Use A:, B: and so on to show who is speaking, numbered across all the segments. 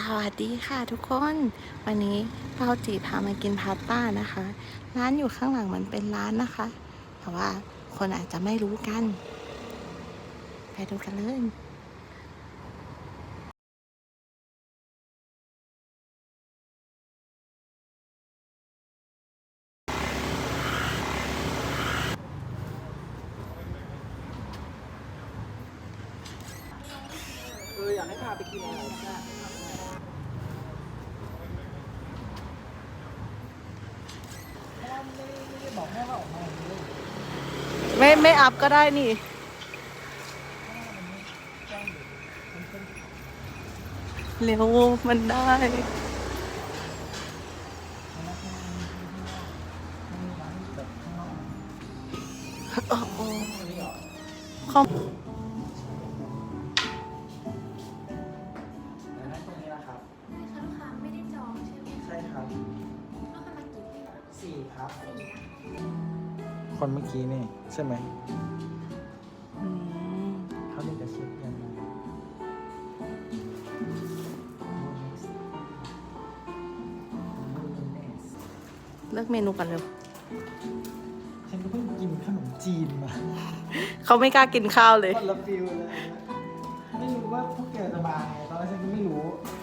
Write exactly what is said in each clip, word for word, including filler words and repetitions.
A: วัสดีค่ะทุกคนวันนี้เราจีพามากินพาสต้านะคะร้านอยู่ข้างหลังมันเป็นร้านนะคะแต่ว่าคนอาจจะไม่รู้กันไปดูกันเลย
B: เอออยากให้พาไปกินอะไรนะไม่ได้บอกแม่ว่าออกมาเลย
A: ไม่ไม่อัพก็ได้นี่เร็วมันได้โอ้โหคอม
B: แต่นั่นตรงนี้นะครับ
C: ไม่ค่ะลูกค้าไม่ได้จองใช่ไหมคะ
B: ใช่ครับ
C: ลูกค้ามากี่ปีแล้ว
B: สี่ครับ
C: สี่นะ
B: คนเมื่อกี้นี่ใช่ไหม
A: อืม
B: เขาเรียกจะเช็คยังไง
A: เลือกเมนูกันเร็ว
B: ฉันก็เพิ่งกินขนมจีนมา
A: เขาไม่กล้ากินข้าวเลย
B: คนละฟิลเลยนะไม่รู้ว่าพวกแกจะมาไงตอนแรกฉันก็ไม่รู้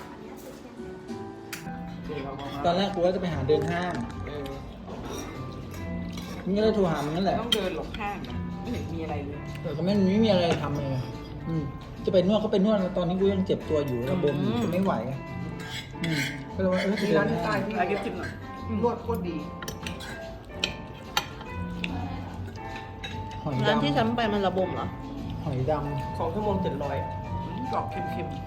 B: ตอนแรกกูว่าจะไปหาเดินห้าง
D: เออ
B: นี่ก็เลยโทรหามึงนั่นแหละ
D: ต้องเดินหลบห้างนะไม่เห็นมีอะไรเลย
B: แต่ก็ไม่ไม่มีอะไรทำเลยอืมจะไปนวดก็ไปนวดตอนนี้กูยังเจ็บตัวอยู่ระบมอยู่จะไม่ไหวไงอืมก็เลยว่าเออไป
D: มี
B: เดิ
D: ร้าน
B: น
D: ที่ใต้
B: ห้าง
D: ที่ร้านเก็บจิ้มหน่อยนวดโคตรดี
B: หอย
A: ร้าน
B: ดำ
A: ที่ฉันไปมันระบมเหรอ
B: หอยด
D: สองชั่วโมงเจ็ดร้อยกรอบเค็ม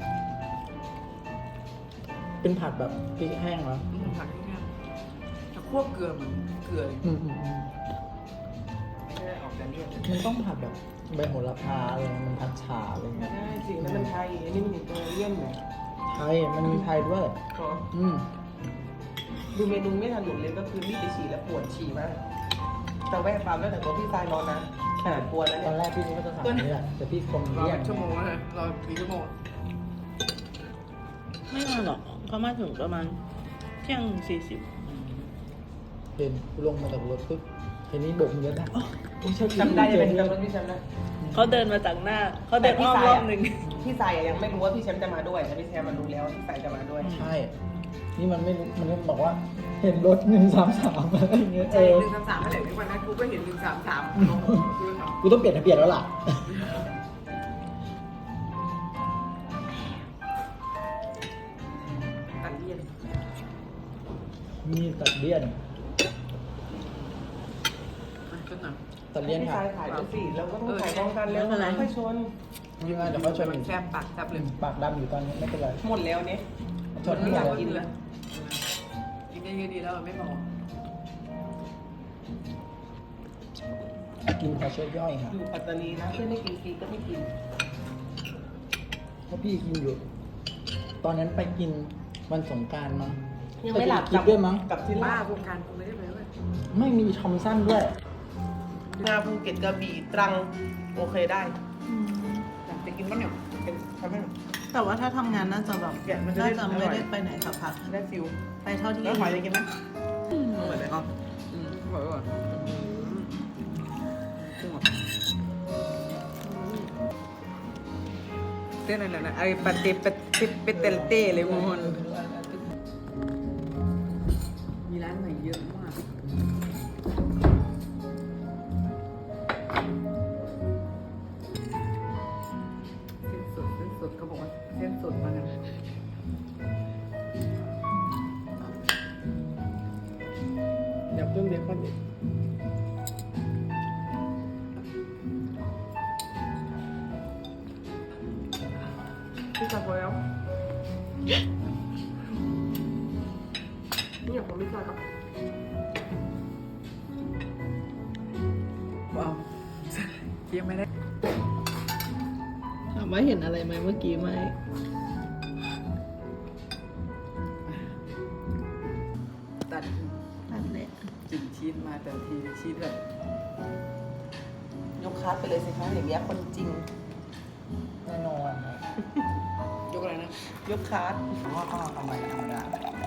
B: ำเป็นผัดแบบพริกแห้งเหรอ
D: ๆอืมผักที่แค่จะคั่วเกลือเหมือนเกลือเลย
B: อืมอืมอืม
D: ไม่ได้ออกแต่เลี่ยน
B: มันต้องผัดแบบใบโหระพาอะไรมันผัดฉ่าอะไรเงี้ย
D: ได้จริงแล้วมันไทยอันนี้มันอิตาเลียนไง
B: ไทยมันมีไทยด้วย
D: ก็
B: อืม
D: ดูเมนูไม่ทันหยุดเลยก็คือรีบไปฉี่แล้วปวดฉี่มากแต่แวะปั๊มแล้วแต่ตัวพี่ทรายรอนะขนาดปวดแล้ว
B: ตอ
D: เนี่ย
B: นแรกพี่นี่ก็จะสั่งอันนี่แหละแต่พี่คง
D: รอ
B: เลี่ย
D: เป็น นชั่วโมงแล้วนะรอกี่ชั่วโมง
A: ไม่นานหรอกเขามาถึงประมาณเที่ยงสี่สิบ
B: เห็นกูลงมาจากรถปุ๊บทีนี้โบกมือได้อ๋อโอ้ยใช่
D: จำได้
B: เจ
D: จะ
B: อ
D: เป็น
B: เพื่อน
D: จำรถพี่แชมป์ได้
A: เขาเดินมาจากหน้า เขาเดินอ้อมรอบหนึ่ง
D: พี่สายอะยังไม่รู้ว่าพี่แชมป์จะมาด้วยแต่พี่แชมป์มารู้แล้วว่าพี่สายจะมาด้วย
B: ใช่ นี่มันไม่รู้มันก็บอกว่า เห็นรถหนึ่งสามสามอะไรอย่างเงี้ยเอ
D: ใช่
B: อ
D: หนึ่งสามสามเมื่อไหร่ในวันนั้นกูก็เห็นหนึ่งสามสามคือ
B: กูต้องเปลี่ยนทะเบียนแล้วล่ะ
D: ตัดเลี่ยน
B: มีตัดเลี่ยน
D: ก็หน่อย
B: ตัดเลี่ยน
D: พี่
B: ค่ะ
D: สายถ่ายด้วยสิแล้วก็ต้องถ่ายพร้อมกันแล้วค่อยชน
B: ยังไงเดี๋ยวเขาชน
D: มั
B: อี
D: น
B: ก
D: แซบปากแซบเลย
B: ปากดำอยู่ตอนนี้ไม่เป็นไร
D: หมดแล้วเนี่ย
B: ชน
D: ไม่
B: ไม่
D: อยาก
B: ได้
D: กินเลย
A: กินได้เยอะดีแล้วไม่พอ
B: กินพอช่วยย่อยค่ะ
D: อยู่ปัตตานีนะเพื่อนไม่กินฟรีก็ไม่กิน
B: เพราะพี่กินอยู่ ตอนนั้นไปกินวันสงกรารมั้ง
D: ยังไม่หลับ
B: ปกินด้วยมั้ง
D: กับที่ล่าโครงการกูไม่ได้ไปด้วย
B: ไม่มีทอมสั้นด้วย
D: งาภูเก็ตกระบี่ตรังโอเคได้อยากจะกินบ้างเนี่ยเป็นทำให้
A: แต่ว่าถ้าทำงานน่าจะแบบ
D: แกะมันจะได้
A: น่าจะ
D: อร่
A: ไม่
D: อย
A: ได้ไปไหนสักพัก
D: ได้ฟิล
A: ไปเท่าที่
D: แล้วหอยจะกินไหม
A: อืม
D: อร่อยเลยอ๋ออืมอร่อยอร่อยเต้นอะไรนะไอ้ปาเตปาเตปเตลเต้เลยมอนมีร้านใหม่เยอะมากเส้นสดเส้นสดเขาบอกว่าเส้นสดมานะอยากเพิ่มเบคอนอีกพี่จับพอแล้วนี่อยากของพี่จับกับว้าวเคี้ยวไม่ได้
A: ถามว่าเห็นอะไรไหมเมื่อกี้ไหม
D: ตัด
A: นั่นแหละ
D: กลิ่นชีสมาแต่ทีชีสแบบยกคัสไปเลยสิคะอย่างเงี้ยคนจริง
B: แน่นอนนะ
D: ยยกอะไรนะ ยกคาร์ด
B: เพราะว่าก็เอาใบธรรมดา